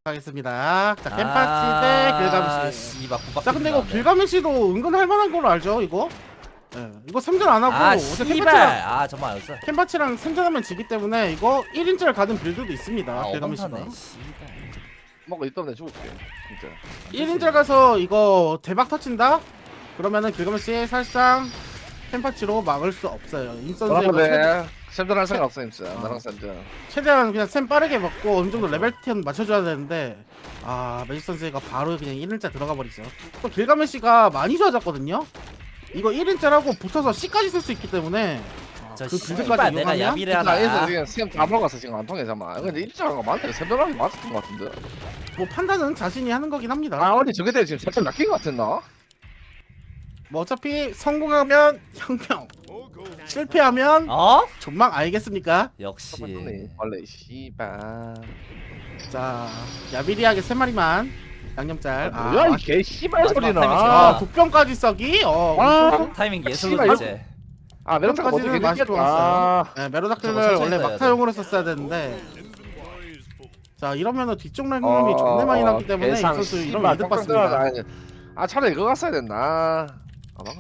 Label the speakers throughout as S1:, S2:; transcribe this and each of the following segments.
S1: 하겠습니다. 자, 캔파치 대 길가메시.
S2: 씨발 국밥.
S1: 자, 근데 이거 길가메시도 은근 할만한 걸로 알죠, 이거? 예, 이거 생존 안 하고
S2: 아
S1: 어제
S2: 씨발. 정말 알았어.
S1: 캔파치랑 생존하면 지기 때문에 이거 1인자를 가는 빌드도 있습니다. 길가메시가.
S2: 어벙타네. 씨발.
S3: 먹고 있다 내 죽을게 진짜.
S1: 1인자 가서 이거 대박 터친다? 그러면은 길가메시 살상 캔파치로 막을 수 없어요. 임선수 이거
S3: 그런데 샘전 할 생각 없어 임스. 나랑 샘전.
S1: 최대한 그냥 샘 빠르게 먹고 어느 정도 레벨 10 맞춰줘야 되는데 매직 선수가 바로 그냥 1인자 들어가 버리죠. 또 길가메시가 많이 좋아졌거든요. 이거 1인자라고 붙어서 C까지 쓸 수 있기 때문에
S2: 저
S1: 그
S2: 씨발
S1: 빌드까지
S2: 내가
S1: 이용하면
S2: 야비를
S3: 나 얘들
S2: 하나.
S3: 지금 샘다 먹었어 지금 안 통해 잠만. 근데 일자한 거 맞네. 샘전하기 맞았던 거 같은데.
S1: 뭐 판단은 자신이 하는 거긴 합니다.
S3: 어디 저게 때 지금 살짝 낚인 거 같았나?
S1: 뭐 어차피 성공하면 혁명, 실패하면
S2: 어?
S1: 존망 알겠습니까?
S2: 역시.
S3: 원래 씨발.
S1: 자, 야비리하게 3마리만 양념짤.
S3: 뭐야 이 개 씨발
S2: 마지막
S3: 소리나.
S2: 타임이지.
S1: 독병까지 썩이.
S2: 타이밍 예술로
S3: 씨발,
S2: 이제.
S3: 메론타가
S1: 까지는
S3: 어떻게
S1: 맛이
S3: 됐겠다.
S1: 좋았어요. 네,
S2: 저거
S1: 메로닥들을
S2: 천천히
S1: 원래
S2: 떠야
S1: 막타용으로 썼어야 되는데. 자, 이러면은 뒤쪽 라인이 존내 많이 났기 때문에 이 선수 이러면 이득 봤습니다.
S3: 차라리 이거 갔어야 됐나. 막아.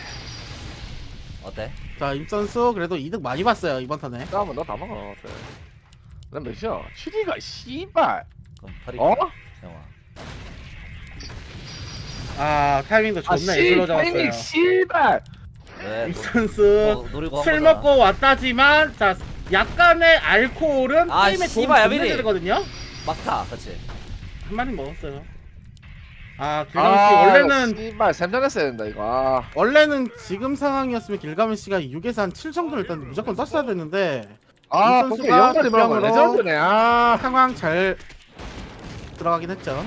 S2: 어때?
S1: 자, 임 선수 그래도 이득 많이 봤어요 이번 턴에.
S3: 다음은 너 다 먹어. 난 몇이야? 7위가 씨발.
S2: 그럼 버리.
S3: 어?
S2: 형아.
S1: 타이밍도 존나 예술로 잡았어요.
S3: 씨발.
S2: 왜?
S1: 임 선수
S2: 노리고 한
S1: 술
S2: 거잖아.
S1: 먹고 왔다지만 자, 약간의 알코올은
S2: 아,
S1: 게임에 도움이
S2: 씨발,
S1: 존나
S2: 야비리.
S1: 되거든요.
S2: 막타, 그렇지.
S1: 한 마리 먹었어요. 길가메시 원래는
S3: 씨발 샘전했어야 된다 이거.
S1: 원래는 지금 상황이었으면 길가메시가 6에서 한 7 정도를 일단 무조건 떴어야 됐는데 이
S3: 그게
S1: 선수가
S3: 영달이 뭐라고
S1: 득점으로
S3: 레전드네.
S1: 상황 잘 들어가긴 했죠.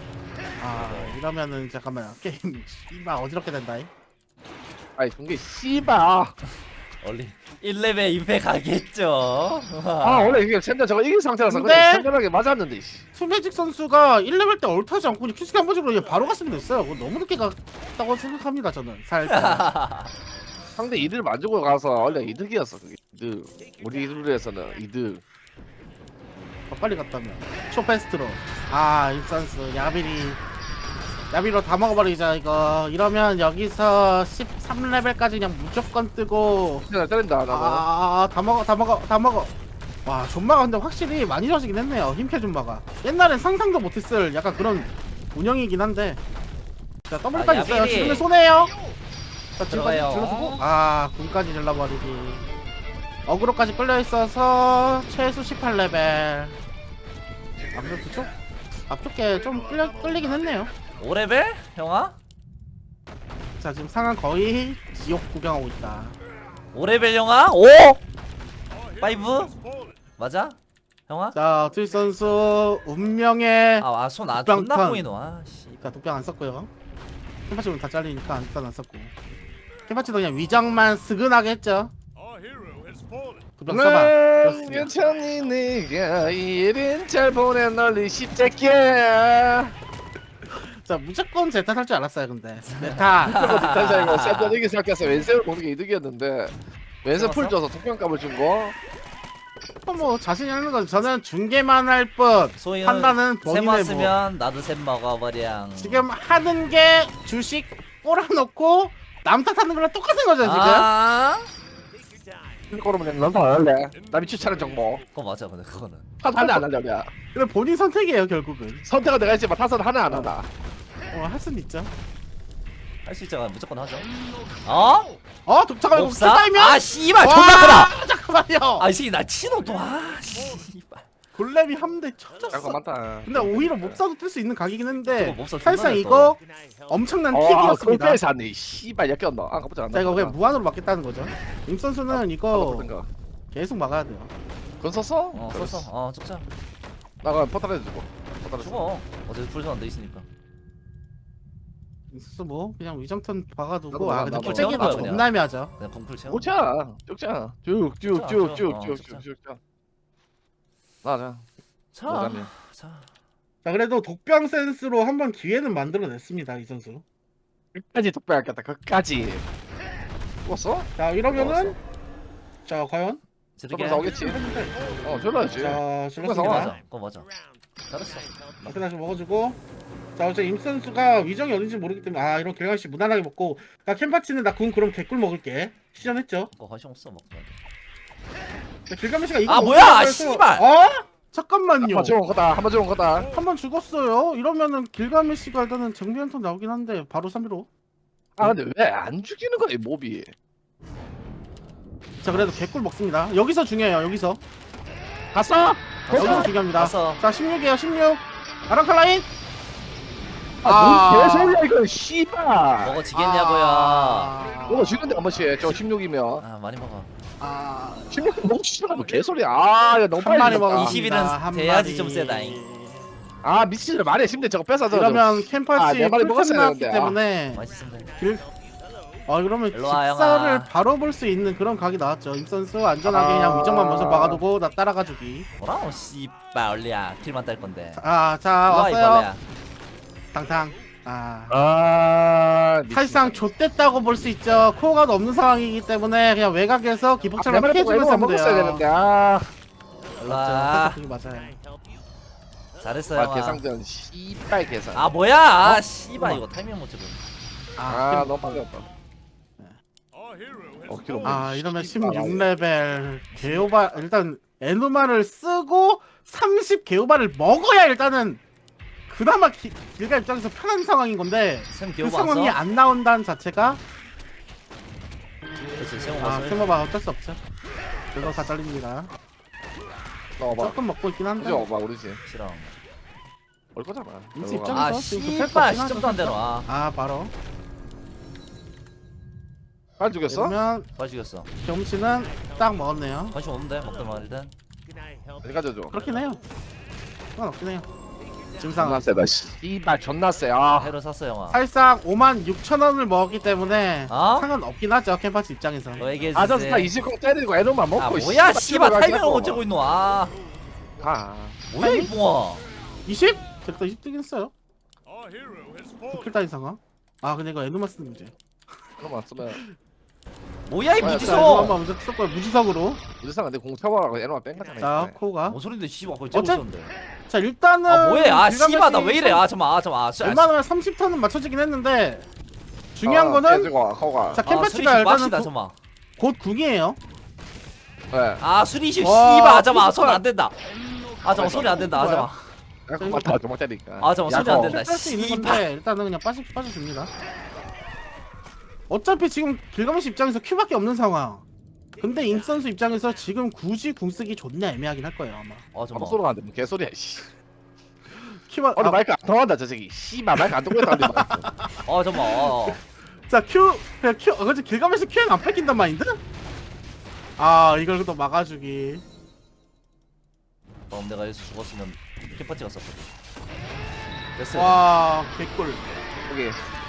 S1: 이러면은 잠깐만 게임 씨발 어지럽게 된다.
S3: 아이 그게 씨발.
S2: 원래 1레벨 임팩 가겠죠.
S3: 원래 이게 샘전 저거 이긴 상태라서
S1: 근데-
S3: 그냥 샘전하게 맞았는데.
S1: 투매직 선수가 1레벨 때 얼타지 않고 그냥 큐스키 한 번씩으로 그냥 바로 갔으면 됐어요. 그거 너무 늦게 갔다고 생각합니다 저는 살짝.
S3: 상대 이득 만주고 가서 원래 이득이었어 그게. 이득. 우리 룰에서는 이득.
S1: 더 빨리 갔다면 초페스트로. 임 선수 야비로 다 먹어버리자 이거. 이러면 여기서 13레벨까지 그냥 무조건 뜨고
S3: 진짜 때린다 나도.
S1: 다 먹어. 와, 존마가 근데 확실히 많이 좋아지긴 했네요. 힘캐 존마가. 옛날엔 상상도 못했을 약간 그런 운영이긴 한데. 자, 더블까지 있어요.
S2: 야비리.
S1: 지금은 손해요. 자,
S2: 들어가요.
S1: 질러주고. 군까지 질러버리기. 어그로까지 끌려있어서 최소 18레벨. 아무래도 그쪽 앞쪽에 좀 끌리긴 했네요.
S2: 5레벨? 형아?
S1: 자, 지금 상황 거의 지옥 구경하고 있다.
S2: 5레벨 형아? 5? 5? 맞아? 형아?
S1: 자, 트윗 선수 운명의
S2: 손 안
S1: 독병
S2: 존나
S1: 턴.
S2: 보이노. 씨.
S1: 자, 독병 안 썼고요. 캠파치는 다 잘리니까 일단 안 썼고. 캠파치도 그냥 위장만 스근하게 했죠. 독병 써봐. 그렇습니다.
S3: 괜찮니 네가 이른 잘 보낸 널리 십새끼야.
S1: 자, 무조건 제타 살 줄 알았어요, 근데. 제타.
S3: 다시 이거 샘전 이기 생각해서 왼세를 보는 게 이득이었는데 왼세 풀 줘서 독병값을 준 거.
S1: 뭐 자신이 하는 거죠. 저는 중계만 할 뿐.
S2: 소희는
S1: 판단은
S2: 샘
S1: 본인의 뭐.
S2: 왔으면 나도 샘 먹어버려.
S1: 지금 하는 게 주식 꼬라놓고 남 탓하는 거랑 똑같은 거죠, 지금.
S3: 그러면 넌더 할래. 남이 추천한 정보.
S2: 그거 맞아, 근데 그거는.
S3: 탓 하나 안 하려냐.
S1: 근데 본인 선택이에요, 결국은.
S3: 선택은 내가 했지만 탓은 하나 안 한다.
S1: 할 수는 있죠.
S2: 할 수 있잖아, 무조건 하죠.
S1: 잠깐만, 이거
S2: 옵사?
S1: 끝나면?
S2: 씨발 존나 크다.
S1: 잠깐만요.
S2: 이 새끼 나 치노 또. 씨발.
S1: 골렘이 한 대 쳐졌어.
S3: 잠깐만.
S1: 근데 오히려 몹사도 뜰 수 있는 각이긴 했는데
S2: 저거 몹사
S1: 사실상
S2: 존나
S1: 이거 엄청난 킥이었습니다.
S3: 그렇게 샀네. 씨발 역겹나. 깜짝
S1: 자, 이거 그냥 무한으로 막겠다는 거죠. 임 선수는 이거
S3: 그런가.
S1: 계속 막아야 돼요.
S3: 그건 썼어?
S2: 썼어. 죽자.
S3: 나가 포탈 해주고. 포탈
S2: 죽어. 어제 풀선 안돼 있으니까.
S1: 임 선수 뭐 그냥 위정턴 박아두고
S3: 나도
S1: 근데
S3: 나도
S1: 킬째기가
S2: 나도
S1: 존나 애매하죠.
S2: 그냥 궁풀 채워.
S3: 오자. 쭉자. 쭉쭉쭉쭉쭉쭉쭉. 맞아.
S2: 자.
S1: 자, 그래도 독병 센스로 한번 기회는 만들어냈습니다, 이 선수.
S3: 끝까지 독배하겠다. 끝까지. 죽었어?
S1: 자, 이러면은 자, 과연?
S2: 저렇게
S3: 저거 나오겠지. 졸라야지.
S1: 자,
S3: 그거
S1: 질렀습니다.
S2: 맞아. 그거 맞아. 잘했어.
S1: 이렇게 다시 먹어주고. 자 어째 임 선수가 위정이 어딘지 모르기 때문에 아 이런 길가메시 무난하게 먹고. 나 캠파치는 나 군 그럼 개꿀 먹을게. 시전했죠.
S2: 그거 관심 없어 먹지
S1: 길가메시가 이거
S2: 아,
S1: 먹으려고
S2: 뭐야,
S1: 해서-
S2: 씨발!
S1: 어? 잠깐만요.
S3: 한번 죽은 거다. 한번 죽은 거다.
S1: 한 번 죽었어요. 이러면은 길가메시가 일단은 정비 한턴 나오긴 한데 바로 3비로.
S3: 아 근데 왜 안 죽이는 거야 이 몹이?
S1: 자 그래도 개꿀 먹습니다. 여기서 중요해요. 여기서.
S3: 갔어?
S1: 여기서 중요합니다.
S2: 갔어.
S1: 자 16이에요. 16. 아랑칼라인.
S3: 뭔 개소리야 이거 씨발.
S2: 먹어지겠냐고요.
S3: 이거 죽는데 한 번씩 저 16이면
S2: 아 많이 먹어.
S3: 16은 너무 씨발 뭐 개소리야. 아야 너무
S1: 한
S3: 빨리
S1: 마리
S3: 죽었다.
S1: 먹었습니다.
S2: 20이는
S1: 한
S2: 돼야지
S1: 마리.
S2: 좀 세다잉.
S3: 아 미친들 말해 심대 저거 뺏어 줘.
S1: 이러면 캠파치
S3: 네 마리
S1: 풀템
S3: 먹었어야
S1: 나왔기
S3: 되는데,
S1: 때문에
S2: 맛있습니다.
S1: 그러면
S2: 일로 와,
S1: 직사를
S2: 영아.
S1: 바로 볼 수 있는 그런 각이 나왔죠. 임 선수 안전하게
S3: 아.
S1: 그냥 위정만 먼저 막아두고 나 따라가주기.
S2: 뭐라고 씨발 얼리야. 킬만 딸 건데.
S1: 자
S2: 일로 와, 이
S1: 왔어요.
S2: 벌레야.
S1: 당당.
S3: 미친.
S1: 사실상 좆됐다고 볼 수 있죠. 코어가 없는 상황이기 때문에 그냥 외곽에서
S3: 내
S1: 기폭차만
S3: 말에
S1: 피해주면서 하면
S3: 먹었어야
S1: 돼요.
S3: 되는데 아.
S2: 일로 와.
S1: 그게 맞아요.
S2: 잘했어요.
S3: 아
S2: 영아.
S3: 계상전 씨발 계산.
S2: 아 뭐야? 아 씨발 이거 타이밍 못 잡고.
S3: 아 너무 빨리 왔다. 키로
S1: 이러면 16레벨 개오바 일단 에누마를 쓰고 30 개오바를 먹어야 일단은 그나마 길가 입장에서 편한 상황인 건데
S2: 샘
S1: 그
S2: 기억
S1: 상황이
S2: 왔어?
S1: 안 나온다는 자체가
S2: 그렇지 세모 왔어.
S1: 스모바 어쩔 수 없죠. 그거 다 잘립니다.
S3: 넣어봐.
S1: 조금 먹고 있긴 한데
S3: 그죠? 봐 우리 집.
S2: 싫어.
S3: 올 거잖아.
S1: 인수
S3: 들어가.
S1: 입장-
S2: 아
S1: 지금 급할 것
S2: 씨발
S1: 같긴
S2: 시점도 안 되노. 아
S1: 바로
S3: 안 죽였어?
S1: 그러면
S2: 봐주겠어.
S1: 경치는 딱 먹었네요.
S2: 관심 없는데 먹던 말이든.
S3: 어디 가져줘?
S1: 그렇긴 해요. 상관없긴 해요. 지금
S3: 존나
S1: 상황
S3: 세다. 씨발 존나 세. 아.
S2: 해로 샀어 영아.
S1: 사실상 56,000원을 먹었기 때문에
S2: 어?
S1: 상관없긴 하죠. 캠파스 입장에서.
S2: 너 얘기해
S3: 아저
S2: 주세요.
S3: 다 20공 때리고 애들만 먹고.
S2: 아 뭐야 씨발 타이밍을 못
S3: 고
S2: 재고 있노. 아
S3: 아.
S2: 뭐야 이 뽕아.
S1: 20? 제가 20 뜨긴 했어요. 도킬 따인 상황. 근데 이거 에누마 쓰는 문제.
S3: 그럼 왔으면
S2: 뭐야 이
S3: 뭐야,
S1: 자, 에누마
S2: 무지소.
S1: 먼저 썼고요. 무지석으로.
S3: 우리상 근데 공 쳐봐라고 애들만 뺀 거잖아.
S1: 자,
S3: 이번에.
S1: 코가.
S2: 뭔 소린데 씨발 거기 째고
S1: 어째-
S2: 있었는데.
S1: 자, 일단은
S2: 아 뭐해? 아
S1: 길가메시
S2: 씨발 나 왜 이래? 아 잠깐만.
S1: 웬만하면 30턴은 맞춰지긴 했는데 중요한 거는
S3: 깨지고 코가.
S1: 자,
S2: 캠파치가
S1: 캠파치가 일단은
S2: 빡시다 잠깐만.
S1: 곧 궁이에요.
S3: 네.
S2: 아 수리십
S1: 와,
S2: 씨발 아 잠깐만
S1: 피지컬.
S2: 손 안 된다. 아 잠깐만 손이 안 된다. 아 잠깐만.
S3: 약간 맞다 조막 때리니까.
S2: 아, 잠깐만, 손이 안 된다.
S1: 뺄수 있는
S2: 씨발.
S1: 건데 일단은 그냥 빠져줍니다. 어차피 지금 길가메시 입장에서 큐밖에 없는 상황. 근데 임 선수 입장에서 지금 굳이 궁 쓰기 존나 애매하긴 할 거예요 아마.
S2: 아
S3: 아무
S2: 잠깐만.
S3: 소리가 안 돼. 뭐 개소리야. 씨.
S1: 큐만
S3: 오늘 마이크 안 통한다 저 새끼. 씨발 마이크 안 통했다 근데.
S2: 아 잠깐만.
S1: 자 큐 그냥 큐 그치 길가메시 큐는 안 뺏긴단 마인드? 이걸 또 막아주기.
S2: 그럼 내가 여기서 죽었으면 캠퍼치 갔었거든. 됐어.
S1: 와 개꿀.
S3: 여기.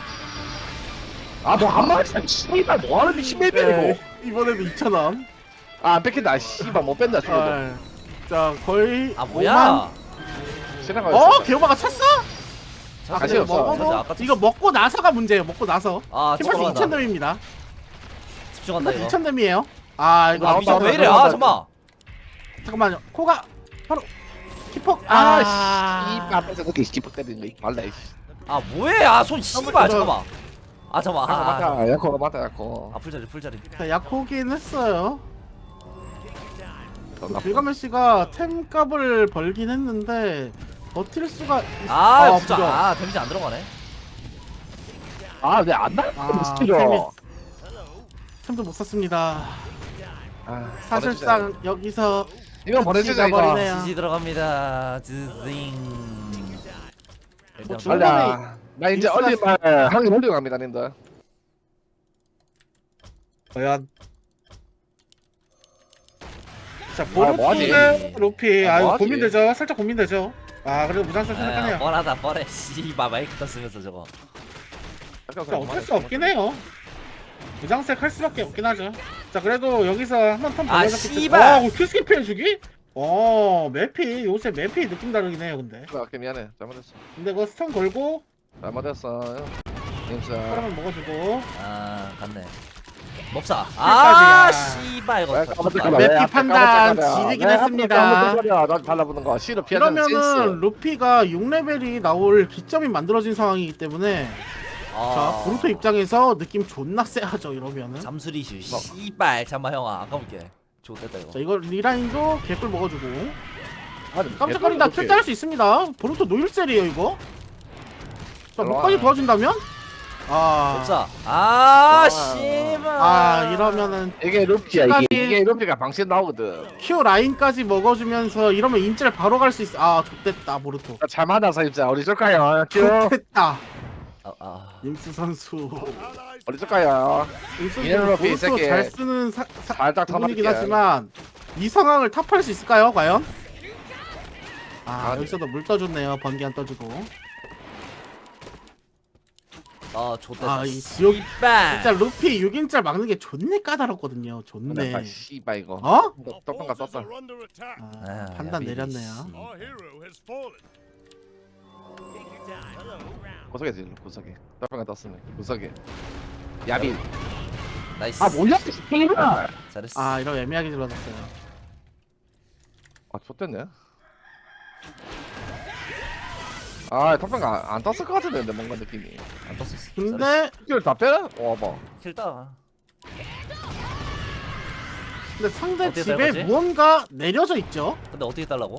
S3: 아뭐한 마리 씨발 뭐하는 미친 맵이고.
S1: 네, 이번에도 2,000원.
S3: 아안 뺏긴다. 씨발 못 뺀다 죽어도.
S1: 자 거의
S2: 아 뭐야?
S3: 지나가.
S1: 개오바가 찼어?
S3: 다시
S1: 근데
S3: 없어.
S1: 먹어도
S2: 맞아, 아까
S1: 이거 먹고 나서가 문제예요. 먹고 나서.
S2: 아
S1: 캠퍼스
S2: 집중한다.
S1: 2,000댐입니다.
S2: 집중한다
S1: 캠퍼스
S2: 이거.
S1: 2,000댐이에요.
S2: 아
S1: 이거
S2: 미션 왜 이래? 아 잠깐만.
S1: 잠깐만요. 코가 바로 키폭.
S3: 씨발 뺏어 그렇게 기폭 때리네. 말라.
S2: 아 뭐해? 아손 씨발 잠깐만. 아 잠깐만.
S3: 야코 맞다. 야코가 맞다 야코.
S2: 아 풀자리 풀자리.
S1: 자, 약호긴 했어요.
S3: 존나
S1: 길가메 씨가 템 값을 벌긴 했는데 버틸 수가
S2: 아 부자.
S1: 부자.
S2: 아 데미지 안 들어가네.
S3: 아왜안 나가?
S1: 템이
S3: 스킬로.
S1: 템도 못 썼습니다.
S3: 아,
S1: 사실상 여기서
S3: 이건 보내주자 이거.
S1: 버리네요.
S2: 지지 들어갑니다. 지징. 일단
S1: 중간에
S3: 빨리. 나 이제
S1: 익스가-
S3: 얼리말 한개 올리고 갑니다 님들.
S1: 과연 자
S3: 뭐하지?
S1: 보르투의 루피 이거
S3: 뭐하지?
S1: 고민되죠. 살짝 고민되죠. 그래도 무장살 생각하네요.
S2: 뻔하다 뻔해. 씨발 마이크 떴으면서 저거.
S1: 자, 어쩔 수 없긴 해요. 무장색 할 수밖에 없긴 하죠. 자 그래도 여기서 한번 턴
S2: 아,
S1: 벌려졌기
S2: 씨발!
S1: 때문에 큐스킵 해주기? 맵이 요새 맵이 느낌 다르긴 해요 근데.
S3: 오케이 미안해 잘못했어.
S1: 근데 그거 스턴 걸고
S3: 잘못했어. 인사.
S1: 사람을 먹어주고
S2: 아 갔네. 몹사.
S1: 아,
S2: 씨발 이거.
S1: 맵피 판단 지리긴 했습니다.
S3: 난 달라붙는 거 C로 피하는
S1: 이러면은 루피가 6레벨이 나올 기점이 만들어진 상황이기 때문에 자 보루토 입장에서 느낌 존나 세하죠 이러면은.
S2: 잠수리슈. 씨발 잠만 형아 안 가볼게. 좋겠다 이거.
S1: 자 이거 리라인도 개꿀 먹어주고
S3: 아니,
S1: 깜짝거린다 킬 딸 수 있습니다. 보루토 노일셀이에요 이거. 자 목까지 도와준다면?
S2: 몹사. 씨발.
S1: 이러면은
S3: 이게 루피야
S1: 끝까지-
S3: 이게 루피가 방신 나오거든.
S1: Q 라인까지 먹어주면서 이러면 인질 바로 갈 수 있어. 좆됐다 보루토.
S3: 잘 만나서 입자. 어디 줄까요?
S1: 좆됐다 임수 선수.
S3: 어디 줄까요?
S1: 임수
S3: 이래로
S1: 선수
S3: 루피 이
S1: 보루토
S3: 새끼.
S1: 잘 쓰는
S3: 살짝
S1: 부분이긴
S3: 타박게.
S1: 하지만 이 상황을 탑할 수 있을까요 과연?
S3: 아,
S1: 여기서도 물 떠줬네요. 번개 안 떠주고.
S2: 좋다.
S1: 이 지옥
S2: 씨발.
S1: 진짜 루피 6인짤 막는 게 존내 까다롭거든요. 존내.
S3: 씨발 이거.
S1: 어?
S3: 떡방가 떴다.
S1: 판단
S2: 야비리,
S1: 내렸네요.
S3: 구석이지 구석이. 떡방가 떴으면 구석이. 야비.
S2: 나이스.
S3: 뭐야? 씨발.
S2: 잘했어.
S1: 이러면 애매하게 질러졌어요.
S3: 좋댔네. 떡방가 안 떴을 것 같은데 뭔가 느낌이.
S2: 안 떴었어.
S1: 근데
S3: 이걸 다 빼? 봐.
S2: 킬다.
S1: 상대
S2: 어떻게
S1: 집에
S2: 될 거지?
S1: 무언가 내려져 있죠.
S2: 근데 어떻게 달라고?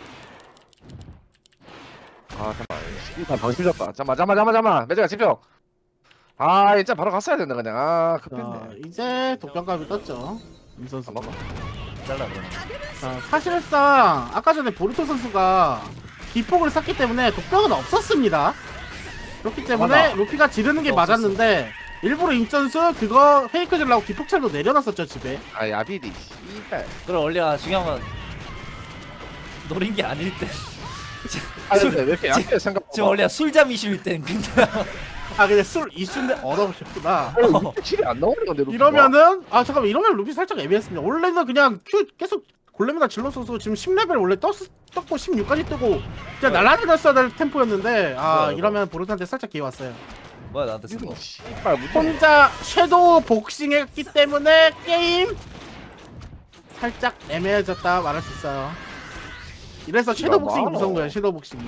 S3: 잠깐만. 이거 방심 졌다. 잠깐만. 매제가 집중. 진짜 바로 갔어야 된다 그냥. 급했네.
S1: 이제 독병감이 떴죠. 임 선수.
S3: 잠깐만.
S2: 잘라 그러면.
S1: 자, 사실상 아까 전에 보르토 선수가 기폭을 쐈기 때문에 독병은 없었습니다. 그렇기 때문에
S3: 맞아.
S1: 루피가 지르는 게
S2: 없었어.
S1: 맞았는데 일부러 임 선수 그거 페이크 질라고 기폭찰도 내려놨었죠 집에.
S3: 야비디. 씨발.
S2: 그럼 원래가 중요한 건 노린 게 아닐 때.
S3: 근데 왜 이렇게 약해 생각?
S2: 지금 원래 술잠 이슈일 땐 그냥.
S1: 근데 술 이슈인데 얻어보셨구나.
S3: 칠이 안 나오는 건데. 루피가?
S1: 이러면은 잠깐만 이러면 루피 살짝 애매했습니다. 원래는 그냥 Q 계속 골렘에다 질렀어서 지금 10레벨 원래 떴고 16까지 뜨고 그냥 날아다녔어야 될 템포였는데 이러면 보르토한테 살짝 기회 왔어요.
S2: 뭐야 나한테 쓴 거.
S3: 씨발 무슨
S1: 혼자 섀도우 복싱했기 때문에 게임 살짝 애매해졌다 말할 수 있어요. 이래서 섀도우 복싱이 무서운 거야. 섀도우 복싱이.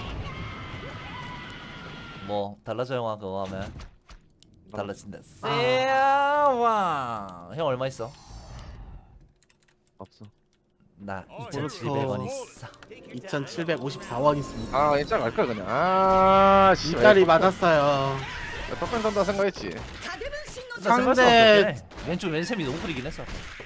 S2: 뭐 달라져 형아 그거 하면 달라진다. 세아왕. 형 얼마 있어?
S3: 없어.
S2: 나
S1: 그렇죠.
S2: 2,700원 있어.
S1: 2,754원 있습니다.
S3: 진짜 갈걸 그냥.
S1: 일자리 맞았어요.
S3: 떡방 던다 생각했지.
S1: 상대-
S2: 왼쪽 왼셈이 너무 흐리긴 했어.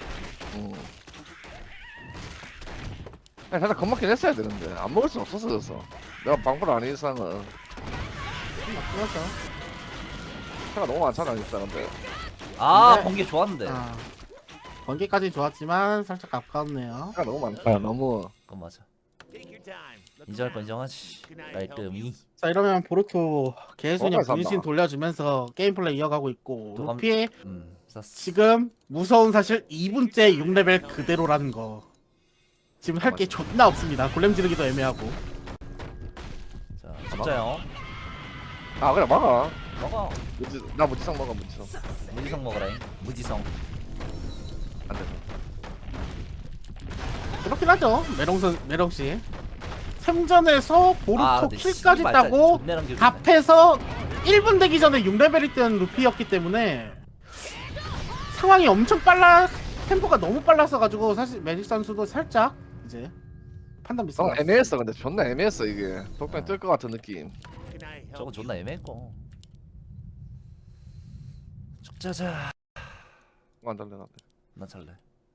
S3: 살짝 겁먹긴 했어야 되는데 안 먹을 수 없었어 그래서 내가 방불 아닌 이상은
S1: 그렇죠.
S3: 차가 너무 많잖아 진짜 근데.
S1: 근데-
S2: 번개 좋았는데.
S1: 번개까지 좋았지만 살짝 아까웠네요.
S3: 차가 너무 많다 너무.
S2: 그건 맞아. 인정할 건 인정하지. 깔끔히.
S1: 자 이러면 보르토 계속 그냥
S3: 산다.
S1: 분신 돌려주면서 게임 플레이 이어가고 있고
S2: 도감-
S1: 루피
S2: 쌌어.
S1: 지금 무서운 사실 2분째 6레벨 그대로라는 거. 지금 할 게 존나 없습니다. 골렘 지르기도 애매하고.
S2: 자, 진짜 형.
S3: 그래 먹어.
S2: 먹어.
S3: 나 무지성 먹어 무지성.
S2: 무지성 먹으라잉. 무지성.
S3: 안 돼.
S1: 그렇긴 하죠. 메롱씨. 생전에서 보르토
S2: 근데
S1: 킬까지
S2: 씨발,
S1: 따고
S2: 존내랑 기분이네.
S1: 답해서 1분 되기 전에 6레벨이 뜬 루피였기 때문에 상황이 엄청 템포가 너무 빨랐어가지고 사실 매직 선수도 살짝 이제 판단 미스.
S3: 애매했어 근데 존나 애매했어 이게. 독방 뜰 것 같은 느낌.
S2: 저거 존나 애매했고. 적자자.
S3: 안 달래 나.
S2: 난 잘래.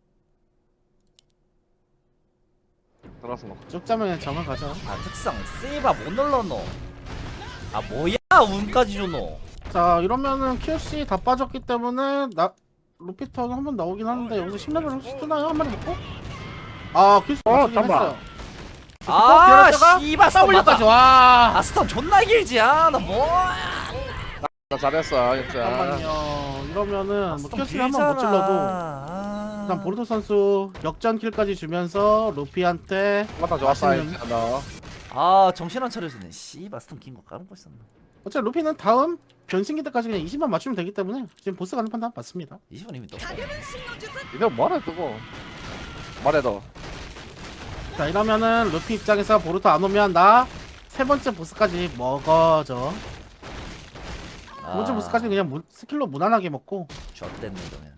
S3: 들어서 먹어.
S1: 쭉 짜면 정을 가죠.
S2: 특성 세이바 못 눌러노. 뭐야 운까지 줘노.
S1: 자 이러면은 QC 다 빠졌기 때문에 루피턴 한번 나오긴 하는데 여기서 10레벨 혹시 뜨나요? 한 마리 먹고? QC 맞추긴
S3: 잠깐만.
S1: 했어요.
S2: 씨발 스턴
S1: W까지
S2: 맞다.
S1: 와.
S2: 스턴 존나 길지. 나 뭐야.
S3: 나 잘했어 진짜.
S1: 잠깐만요. 이러면은
S2: 스턴
S1: QC를 한번 못 찔러도
S2: 길잖아.
S1: 일단 보르토 선수 역전 킬까지 주면서 루피한테
S3: 맞다 좋았어
S1: 맛있는-
S3: 진짜 너.
S2: 정신 안 차려지네. 씨발 스턴 긴거 까먹고 있었나.
S1: 어차피 루피는 다음 변신기 때까지 그냥 20만 맞추면 되기 때문에 지금 보스 가는 판단 맞습니다.
S2: 20원 이미 떴어.
S3: 이거 뭐하래 뜨고 말해도
S1: 자 이러면은 루피 입장에서 보루토 안 오면 나 세 번째 보스까지 먹어줘. 두 번째 보스까지 그냥 스킬로 무난하게 먹고.
S2: 좆됐네 이러면.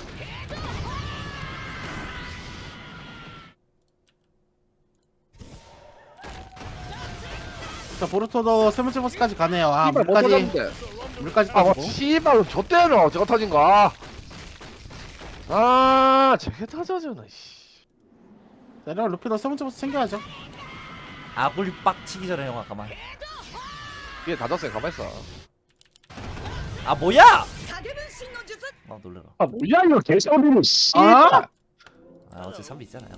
S1: 자 보루토도 세 번째 보스까지 가네요. 아
S3: 씨발 못
S1: 물까지
S3: 터졌는데
S1: 물까지
S3: 아
S1: 빠지고.
S3: 씨발 좆대노 저거 터진 거아 저게 터져주나 씨
S1: 자 이러면 루피도 세 번째 보스 챙겨야죠.
S2: 아굴 빡치기 전에 형아 가만.
S3: 위에 다 졌어요 가만있어
S2: 아 뭐야? 아 놀래라.
S3: 아 뭐야 이거 개소리는 씨
S1: 아?
S2: 아 어제 3비 있잖아요.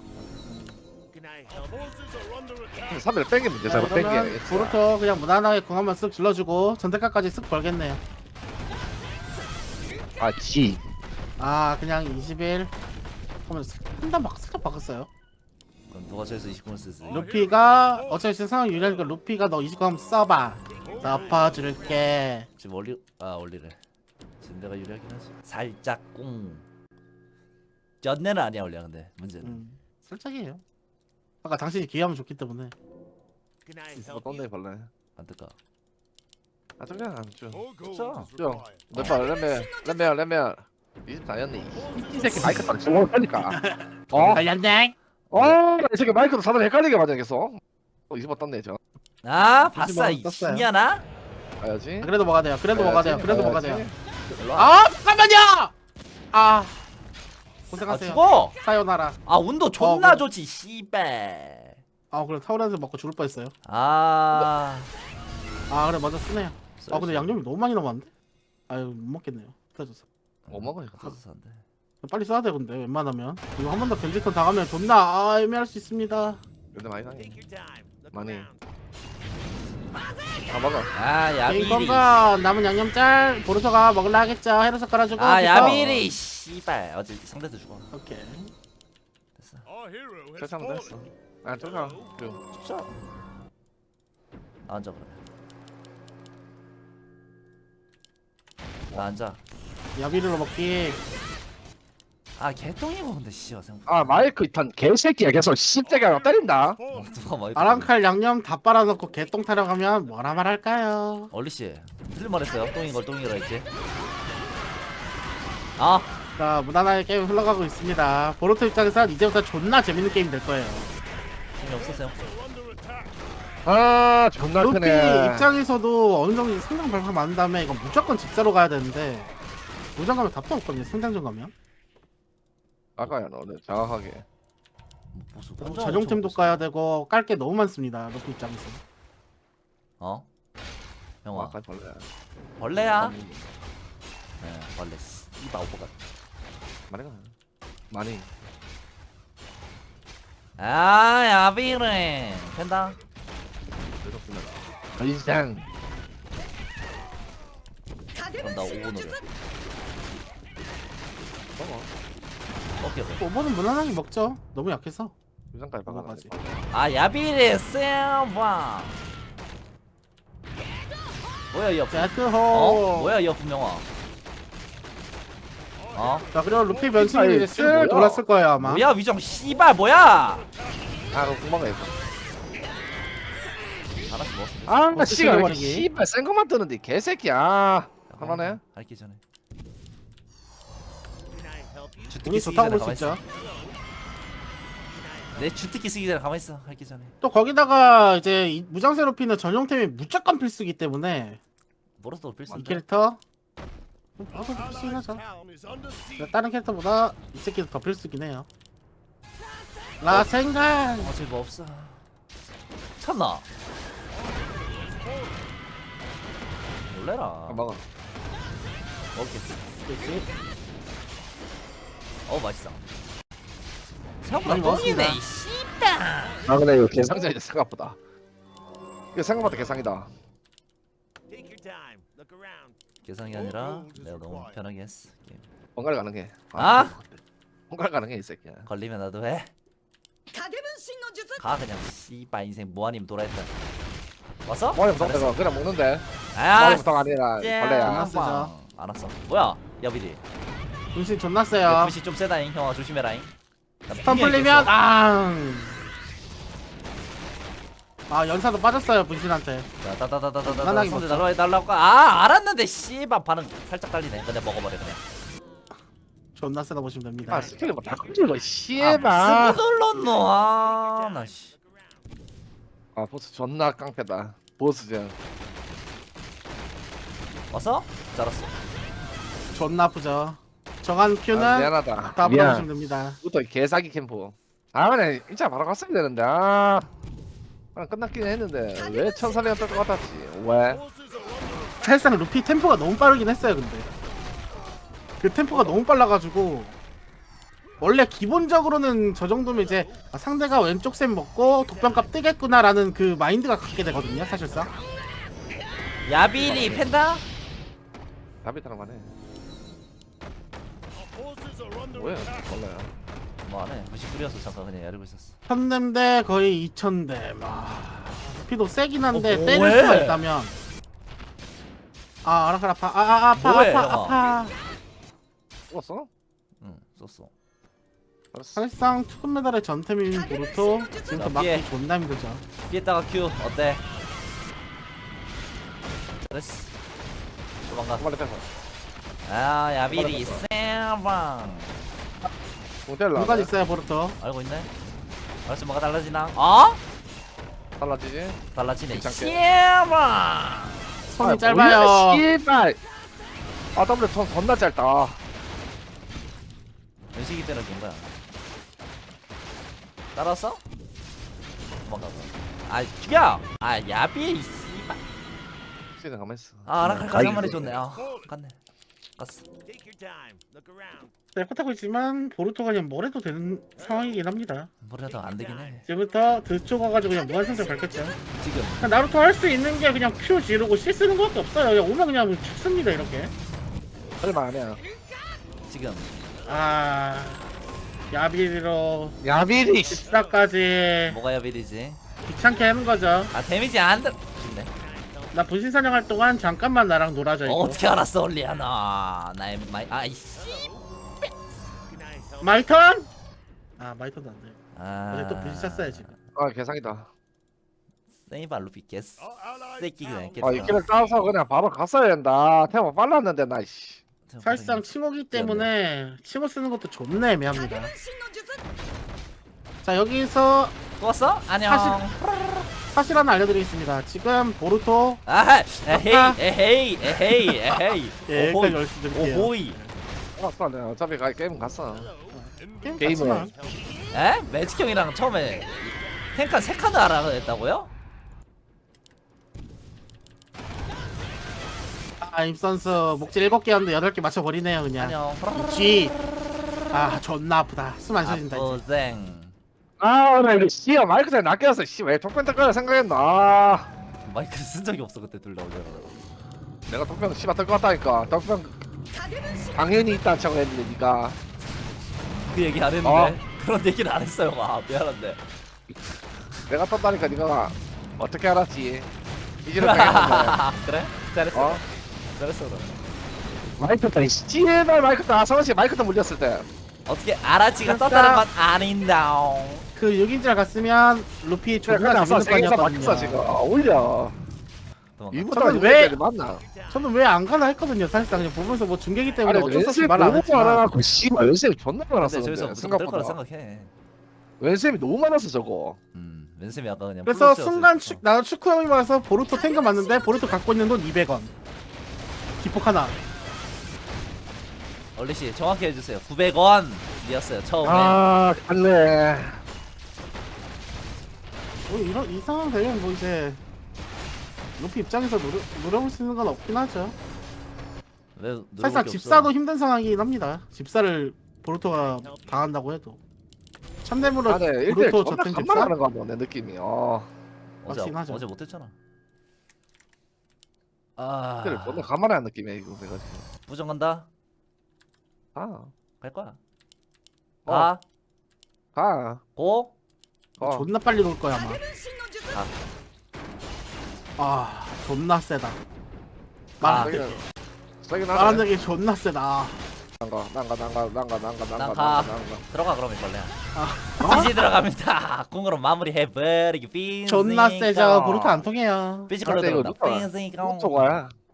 S3: 3일 뺀게 문제
S1: 자
S3: 잘못 뺀게
S1: 그러면 보루토 그냥 무난하게 궁 한번 쓱 질러주고 전대가까지 쓱 벌겠네요.
S3: 아지
S1: 아 그냥 21 그러면 한단 살짝 바꿨어요.
S2: 그럼 누가 저에서 29분 쓰지?
S1: 루피가 어차피 지금 상황 유리하니까 루피가 너 29 한번 써봐. 덮어줄게.
S2: 지금 원리래. 지금 내가 유리하긴 하지. 살짝 꿍. 쩐내는 아니야 원래 근데 문제는.
S1: 살짝이에요. 아까 당신이 기회하면 좋기 때문에.
S3: 뭐 떴네 벌레
S2: 안 뜰까?
S3: 아 저기야 안줘
S2: 진짜?
S3: 몇번 렘멜 24였네 이 새끼 마이크 딱 정확하니까
S1: 관련된.
S3: 이 새끼 마이크도 사람 헷갈리게 맞아 계속 20번 떴네 저
S2: 아 봤어
S1: 떴어요.
S2: 이년아?
S3: 가야지
S1: 그래도 뭐가 돼요. 그래도 뭐가 돼요. 그래도 뭐가 돼요.
S2: 아
S1: 아 잠깐만요. 아
S2: 아
S1: 고생하세요.
S2: 죽어!
S1: 사요나라.
S2: 아 운도 존나
S1: 그래.
S2: 좋지 씨발.
S1: 아 그래 타오렌스 먹고 죽을 뻔했어요.
S2: 아
S1: 그래 먼저 쓰네요. 아 근데 양념이 너무 많이 남았는데? 아유 못 먹겠네요. 터졌어.
S3: 못 먹어 이거
S2: 터져서 안 돼.
S1: 빨리 써야 돼 근데 웬만하면 이거 한 번 더 변질턴 당하면 존나 애매할 수 있습니다.
S3: 근데 많이 나네 많이 아 먹어
S2: 아 야비리.
S1: 게임건가 남은 양념짤 보르토가 먹을라 하겠죠. 헤르서 깔아주고.
S2: 아
S1: 비터.
S2: 야비리 씨발 어제 상대도 죽어.
S1: 오케이.
S2: 됐어.
S3: 결정도 했어 아 저가
S2: 진짜. 나 앉아 그러면. 나 앉아.
S1: 야비르로 먹기.
S2: 아 개똥이고 근데 씨발 생각.
S3: 아 마이크 이탄 개새끼야 계속 씹새가 때린다
S2: 누가 막
S1: 아랑칼 양념 다 빨아놓고 개똥 타령하면 뭐라 말할까요?
S2: 얼리 씨 틀린 말했어요. 똥인 걸 똥이라 했지. 아
S1: 자 무난하게 게임 흘러가고 있습니다. 보르토 입장에선 이제부터 존나 재밌는 게임 될 거예요.
S2: 재미없었어요.
S3: 아 존나
S1: 루피
S3: 크네
S1: 입장에서도 어느 정도 성장 발판 많은 다음에 이건 무조건 집사로 가야 되는데 무장 가면 답도 없거든요. 성장전 가면
S3: 아까야 너는 정확하게
S2: 보수.
S1: 전용템도 까야 되고 깔 게 너무 많습니다. 루피 입장에서.
S2: 어? 형아
S3: 아까 벌레
S2: 벌레야? 네 벌레 씨발 오버가.
S3: 말해가 많이
S2: 아 야비래 된다.
S3: 그렇습니다 인상
S2: 그럼 나 5분 노래.
S3: 먹어
S2: 오케이.
S1: 5번은 무난하게 먹죠. 너무 약해서.
S3: 유상까지
S1: 먹어가지.
S3: 박아가지
S2: 아 야비래 쌤와. 뭐야 이 어?
S1: 제트호.
S2: 뭐야 이 분명아. 어?
S1: 자 그리고 루피 변신이
S3: 아니,
S1: 이제
S3: 지금
S1: 슬
S3: 뭐야?
S1: 돌았을 거예요 아마.
S2: 뭐야 위정 씨발 뭐야?
S3: 아 그럼 금방 가
S2: 하나씩 먹었어.
S3: 아
S1: 어떻게
S3: 씨발 왜
S1: 버리기?
S3: 이렇게 씨발 센 것만 뜨는데 개새끼야 하나네
S2: 할기 전에.
S1: 운이
S2: 주특기 쓰기
S1: 좋다고
S2: 전에
S1: 볼 수
S2: 가만
S1: 있죠.
S2: 있어. 내 주특기 쓰기 전에 가만 있어. 할기 전에.
S1: 또 거기다가 이제 이 무장세 루피는 전용템이 무조건 필수기 때문에
S2: 뭐라도 필수.
S1: 이 캐릭터 나도 필수긴 하죠. 근데 다른 캐릭터보다 이 새끼도 더 필수긴 해요. 라생간.
S2: 어차피 뭐 없어. 참나. 놀래라.
S3: 먹어
S2: 오케이. 맛있어. 생각보다
S1: 많이 먹었습니다.
S2: 똥이네. 이 씨발.
S3: 아 근데 이거 개상자이다 생각보다 이거 생각보다 개상이다
S2: 계산이 아니라 내가 너무 편하게 했어. 게임.
S3: 번갈 가는 게
S2: 아?
S3: 번갈 가는 게 이 새끼야
S2: 걸리면 나도 해. 가 그냥 씨발 인생 뭐 아니면 돌아했다. 왔어?
S3: 뭐야
S2: 잘했어.
S3: 그냥 먹는데
S2: 아,
S3: 머리부터 아니라 벌레야.
S1: 존나 세죠.
S2: 알았어. 뭐야? 야비리.
S1: 분신 존나 세요.
S2: FC 좀 세다잉. 형아 조심해라잉. 나
S1: 스턴
S2: 분명히
S1: 풀리면
S2: 깼어.
S1: 연사도 빠졌어요 분신한테.
S2: 자, 다다다다다다.
S1: 편하게
S2: 손대
S1: 먹자.
S2: 날라고. 아, 알았는데 씨발 반응 살짝 달리네. 근데 먹어버려 그냥.
S1: 존나 세다 보시면 됩니다.
S3: 아 스킬이 뭐다 끄질러
S2: 아,
S3: 씨발.
S2: 쓰고 눌렀노. 아, 나 씨.
S3: 아 보스 존나 깡패다. 보스전.
S2: 왔어? 잘았어.
S1: 존나 아프죠. 정한 큐는
S3: 아, 미안하다.
S1: 다
S3: 미안.
S1: 물어보시면 됩니다.
S3: 이것도 개사기 캠프. 아 그냥 진짜 바로 갔어야 되는데 아. 그냥 끝났긴 했는데 왜 1400원 뺄것 같았지? 왜?
S1: 사실상 루피 템포가 너무 빠르긴 했어요. 근데 그 템포가 너무 빨라가지고 원래 기본적으로는 저 정도면 이제 상대가 왼쪽 셈 먹고 독병값 뜨겠구나라는 그 마인드가 갖게 되거든요. 사실상
S2: 야비리 팬다?
S3: 답이 들어가네. 뭐야? 몰라요.
S2: 뭐하네. 99였어. 잠깐 그냥 야르고 있었어.
S1: 1000댐대 거의 2000댐. 루피도 세긴 한데 때릴
S2: 뭐해?
S1: 수가 있다면 아라카 아파
S2: 뭐해,
S1: 아파
S2: 형아?
S1: 아파.
S3: 죽었어?
S2: 응, 썼어.
S3: 알았어.
S1: 사실상 투금 메달의 전템인 보루토 지금부터
S2: 자,
S1: 막기
S2: 피해.
S1: 존나 힘들죠.
S2: 피했다가 큐 어때? 잘했어. 도망가.
S3: 빨리 빼서.
S2: 아, 야비리 쌤방.
S3: 모델라.
S1: 누가 있어요 보루토?
S2: 알고 있네. 알았어, 뭐가 달라지나? 어?
S3: 달라지지?
S2: 달라지네.
S3: 괜찮게.
S2: 쌤방.
S1: 손이
S3: 아,
S1: 짧아요.
S3: 뭐야, 씨발. 아 W 손 존나 짧다.
S2: 연식이 때는 된 거야. 따라왔어? 도망가. 아, 죽여. 아, 야비. 씨발.
S3: 시간 가만 있어.
S2: 아, 아라칼까지 한 마리 줬네. 아, 갔네. 갔어.
S1: 네, 그렇다고 있지만 보루토가 그냥 뭘 해도 되는 상황이긴 합니다.
S2: 뭐라도 안 되긴 해.
S1: 지금부터 드쪽 가가지고 그냥 무한성장 밟겠죠.
S2: 지금.
S1: 그냥 나루토 할 수 있는 게 그냥 Q 지르고 C 쓰는 것밖에 없어요. 그냥 오면 그냥 죽습니다 이렇게.
S3: 얼마 아니야.
S2: 지금.
S1: 아 야비로
S3: 야비리.
S1: 집사까지
S2: 뭐가 야비리지?
S1: 귀찮게 하는 거죠.
S2: 아, 데미지 안 들. 죽네.
S1: 나 분신 사냥할 동안 잠깐만 나랑 놀아줘 이거.
S2: 어떻게 알았어, 올리아나. 나의 마이. 아이씨.
S1: 마이턴? 아 마이턴도 안 돼.
S2: 아.
S1: 어제 또 분신 찼어요 지금.
S3: 아 개사기다.
S2: 세이바 루피 개스. 새끼 그냥
S3: 아 이끼를 따서 그냥 바로 갔어야 된다. 태워 빨랐는데 나 씨.
S1: 사실상 칭호기 때문에 칭호 쓰는 것도 존나 애매합니다. 자 여기서
S2: 또 왔어? 안녕.
S1: 사실 하나 알려드리겠습니다. 지금 보루토
S2: 아, 에헤이.
S1: 예,
S2: 오호이.
S1: 여기까지 말씀드릴게요.
S2: 오호이.
S3: 알았어 내가 어차피 게임 갔어.
S1: 게임
S3: 게임을.
S1: 같지만
S2: 에? 매직 형이랑 처음에 탱칸 3칸을 알아냈다고요?
S1: 임선수 목질 7개였는데 8개 맞춰버리네요 그냥.
S2: 안녕.
S1: G. 아 존나 아프다. 숨 안 쉬어진다 이제.
S2: 아프생.
S3: 아나 이거 씨야 마이크 잘 낚였어. 씨왜 톡변 뜰 생각했나. 아,
S2: 마이크 쓴 적이 없어 그때 둘 다 오잖아.
S3: 내가 톡변 씨발 뜰것 같다니까. 톡변 당연히 있다는 척을 했는데 니가.
S2: 그 얘기 안 했는데.
S3: 어.
S2: 그런 얘기는 안 했어요. 아, 미안한데.
S3: 내가 떴다니까 니가 어떻게 알았지? 이제는 당했는데.
S2: 그래? 잘했어.
S3: 어?
S2: 잘했어 그럼.
S3: 마이크 따 씨발 마이크 따 성원씨 마이크 따 물렸을 때.
S2: 어떻게 아라치가
S1: 됐어.
S2: 떴다는 건 아닌다.
S1: 그 6인자 갔으면 루피
S3: 그래
S1: 존나
S3: 그냥
S1: 재밌는
S3: 세계에서 막혔어 지금.
S1: 판이었거든요.
S3: 올려.
S2: 도망가.
S3: 이보다
S1: 저는 왜-
S3: 이거 맞나?
S1: 저는 왜 안 가나 했거든요. 사실상 그냥 보면서 뭐 중계기 때문에
S3: 아니
S1: 어쩔 수 없이
S3: 왼쌤
S1: 말 안
S3: 너무
S1: 했지만
S3: 많아갖고 씨발 왼쌤 존나
S2: 근데
S3: 많았어
S2: 저기서
S3: 근데
S2: 무조건 뜰 거라
S3: 생각보다
S2: 생각해.
S3: 왼쌤이 너무 많았어 저거.
S2: 왼쌤이 아까 그냥
S1: 그래서
S2: 플러스였어,
S1: 순간
S2: 진짜.
S1: 나도 축구 형이 와서 보루토 탱크 맞는데 보루토 갖고 있는 돈 200원. 기폭 하나.
S2: 얼리씨 정확히 해주세요. 900원이었어요 처음에.
S3: 아 갈래.
S1: 뭐 이런 이 상황 되면 뭐 이제 루피 입장에서 노려볼 수 있는 건 없긴 하죠.
S2: 왜 누르는
S1: 사실상
S2: 게
S1: 집사도
S2: 없어?
S1: 힘든 상황이긴 합니다. 집사를 보루토가 당한다고 해도 참대무로
S3: 아네 1대1
S1: 보루토
S3: 존나
S1: 저탱 집사?
S3: 간만하는 거 같아 내 느낌이.
S2: 어제
S1: 하죠.
S2: 어제 못했잖아. 아
S3: 1대1 존나 간만하는 느낌이야 이거 내가 지금.
S2: 부정 간다.
S3: 아
S2: 갈 거야.
S3: 어.
S2: 가.
S3: 가.
S2: 고.
S1: 존나 빨리 놀 거야 아마.
S2: 가.
S1: 아 존나 세다. 말하는
S3: 세긴
S1: 말하는
S3: 하네.
S1: 게 존나 세다.
S3: 난가.
S2: 난가. 들어가 그럼 이걸래.
S1: 아.
S2: 지지 들어갑니다. 공으로 마무리해버리기 빈.
S1: 존나 세죠. 브루트 안 통해요.
S2: 피지컬로
S3: 근데 이거
S2: 들어온다.
S3: 누가-
S2: 빈.
S3: 노토가